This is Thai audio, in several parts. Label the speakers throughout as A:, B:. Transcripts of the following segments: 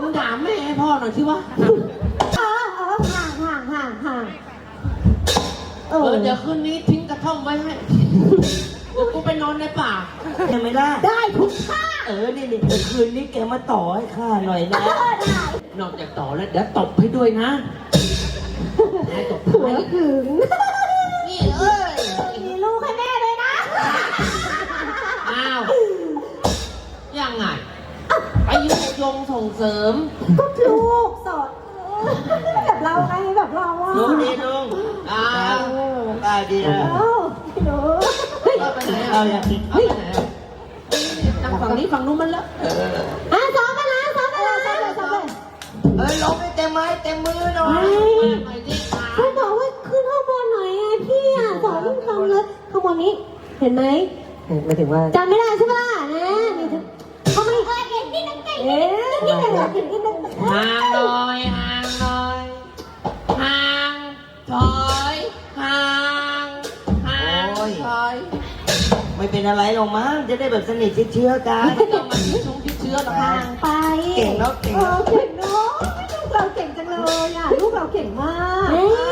A: มึงถามแม่ให้พ่อหน่อยสิวะ
B: ห่าง
A: เดี๋ยวคืนนี้ทิ้งกระท่อมไว้ให้เดี๋ยวกูไปนอนในป่า
C: ยังไม่ได้
B: ได้ทุกท่า
C: นี่เดี๋ยวคืนนี้แกมาต่อให้ข้าหน่อยนะ
B: ได้
A: นอกจากต่อแล้วเดี๋ยวตบให้ด้วยนะให้ตบ
B: หัว
A: ให้
B: ถึง
A: นี่เอ้ย
B: มีลูกให้แม่เลยนะ
A: อ้าวยังไงไปยุยงส่งเสริม
B: ก็ลูกสอนแบบเราไงแบบเราอ่ะ
C: ลุงดีลุง
A: อ้าว
C: ได้ดีนะ
B: พี่หนู
A: เอาไปไหน
C: เอาอย่างนี้
A: เอาไปไหนนั่งฝั่งนี้ฝั่งนู้นมันเลอะ
B: ซ้อมมานะซ้อมเลย
C: ลงให้เต็มไม้เต็มมือหน่อย
A: ไปดิค่ะ
B: เขาบอกว่าขึ้นข้างบนหน่อยไงพี่อ่ะสอนลูกทำเลยข้างบนนี้เห็นไหม
C: ไม่ถึงว่า
B: จำไม่ได้ใช่ไหมล่ะนะมีถึงเขาไม่เก่งที่นั่งเก่งที่นั่งเก่งที่นั่ง
A: ห่างหน่อยห่างหน่อยห่างถอยห่างห่างถอย
C: ไม่เป็นอะไรหรอกมั้งจะได้แบบสนิทเชื้อกัน
A: ไม่ต้องมาที่ชงที่เชื้อหรอกค่ะ
B: ห่างไป
C: เก่งเนาะเก่ง
B: เอ
C: เนาะ
B: อเก่งเนาะลูกเราเก่งจังเลยอ่ะลูกเราเก่งมาก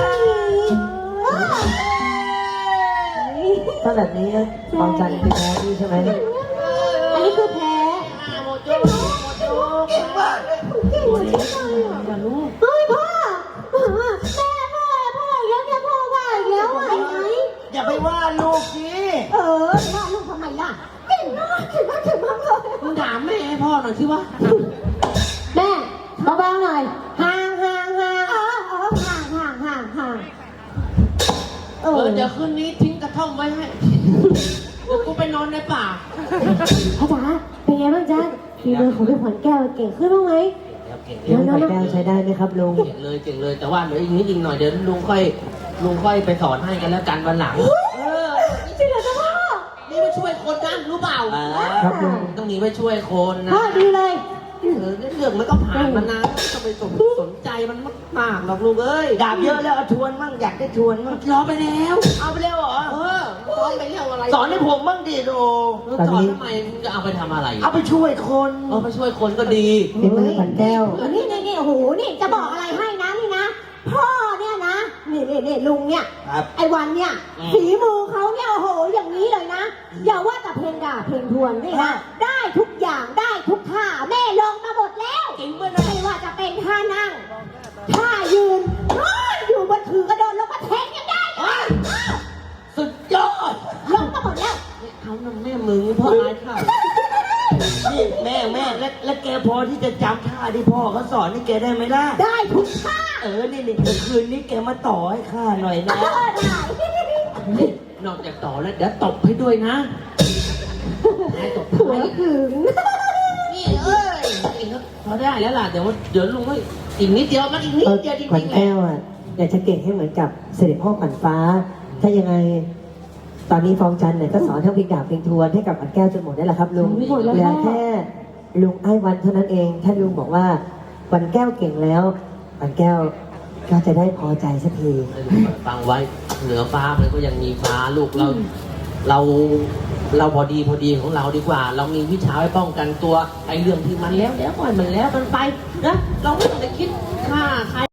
C: ถ้าแบบนี้บางจันเป็นแพ้ที่ใช่ไหม
B: อันนี้คือแพ้
A: หมดโจ้หมดโจ้เก่งมากเลย
B: เก่งเหมือนกันเลยอ่ะ
A: อย่าลูก
B: เฮ้ยพ่อแม่พ่ออีกแล้วเนี่ยพ่อว่าอีกแล้วอ่ะไอ้ไหน
C: อย่าไปว่าลูกสิ
B: ว่าลูกทำไมล่ะเก่งมากเก่งมากเก่งมากเลย
A: มึงถามแม่ให้พ่อหน่อยสิวะ
B: แม่เบาๆหน่อยห่างห่าง
A: เดี๋ยวคืนนี้ทิ้งกระท่อมไว้ให้เดี๋ยวกูไปนอนในป่า
B: พ่อจ๋าเป็นไงบ้างจ๊ะฝีมือของพี่ขวัญแก้วเก่งขึ้นบ้างไหม
C: เลี้ยงไข่แก้วใช้ได้ไหมครับลุง
A: เก่งเลยเก่งเลยแต่ว่าเดี๋ยวอีกนิดอีกหน่อยเดี๋ยวลุงค่อยไปสอนให้กันแล้วกันวันหลัง
B: จริงเหรอจ๊ะพ่อ
A: นี่ไปช่วยคนนะรู้เปล่า
C: ครับลุง
A: ต้องหนีไปช่วยคนนะ
B: พ่อดีเลย
A: เรื่องมันก็ผ่านมานานไม่ต้องไปสนใจมันมากหรอกลูกเอ้ย
C: ดาบเยอะแล้วเอาทวนมั่งอยากได้ทวนมั่ง
A: รอไปแล้ว
C: เอาไปแล้วเหรอ
A: สอนไปเรื่องอะไร
C: สอนให้ผมมั่งดิโด
A: สอนทำไมมึงจะเอาไปทำอะไร
C: เอาไปช่วยคน
A: เอาไปช่วยคนก็ดี
C: เป็นมือขวัญแก้ว
B: นี่โอ้โหนี่จะบอกอะไรให้นะนี่นะพ่อเนี่ยนะนี่ลุงเนี่ย
C: ครับ
B: ไอ้วันเนี่ยฝีมือเขาเนี่ยโอ้โหอย่างนี้เลยนะอย่าว่าแต่เพลงด่าเพลงทวนนี่นะได้ทุกอย่างได้ทุกท่าแม่ลองมาหมดแล้วไม่ว่าจะเป็นท่านั่งท่ายืนอยู่บนถือกระโดดลงมาแทงยังได้เลย
A: สุดยอด
B: ลงมาหมดแล้ว
A: เขานั่นแม่มึงพ่ออายข้าว
C: นี่แม่แล้วแกพอที่จะจำท่าที่พ่อเขาสอนนี่แกได้ไหมล่ะ
B: ได้ทุกท่า
C: นี่เดี๋ยวคืนนี้แกมาต่อให้ข้าหน่อยนะ
B: ได้
A: นอกจากต่อแล้วเดี๋ยวตบให้ด้วยนะให้ตบ
B: หัว
A: ให้
B: ถึง
A: นี่เอ้ยพอได้แล้วล่ะเดี๋ยวลุงก็อีกนิดเดียวมันอีกนิดเดียวจริง
D: ขวัญ
A: ๆแหละ
D: แก้วอ่ะอยากจะเก่งให้เหมือนกับเสด็จพ่อขวัญฟ้า ถ้ายังไง ตอนนี้ฟองจันทร์เนี่ยก็สอนทั้งเพลงดาบเพลงทวนให้กับขวัญแก้วจนหมดได้แหละครับลุงเหลือแค่ลุงไอ้วันเท่านั้นเองถ้าลุงบอกว่าขวัญแก้วเก่งแล้วขวัญแก้วก็จะได้พอใจสักที
A: ฟังไว้เหนือฟ้ามันก็ยังมีฟ้าลูกเราพอดีของเราดีกว่า เรามีวิชาไว้ป้องกันตัวไอ้เรื่องที่มันแล้วปล่อยมันแล้วมันไปนะเราไม่ต้องไปคิดฆ่าใคร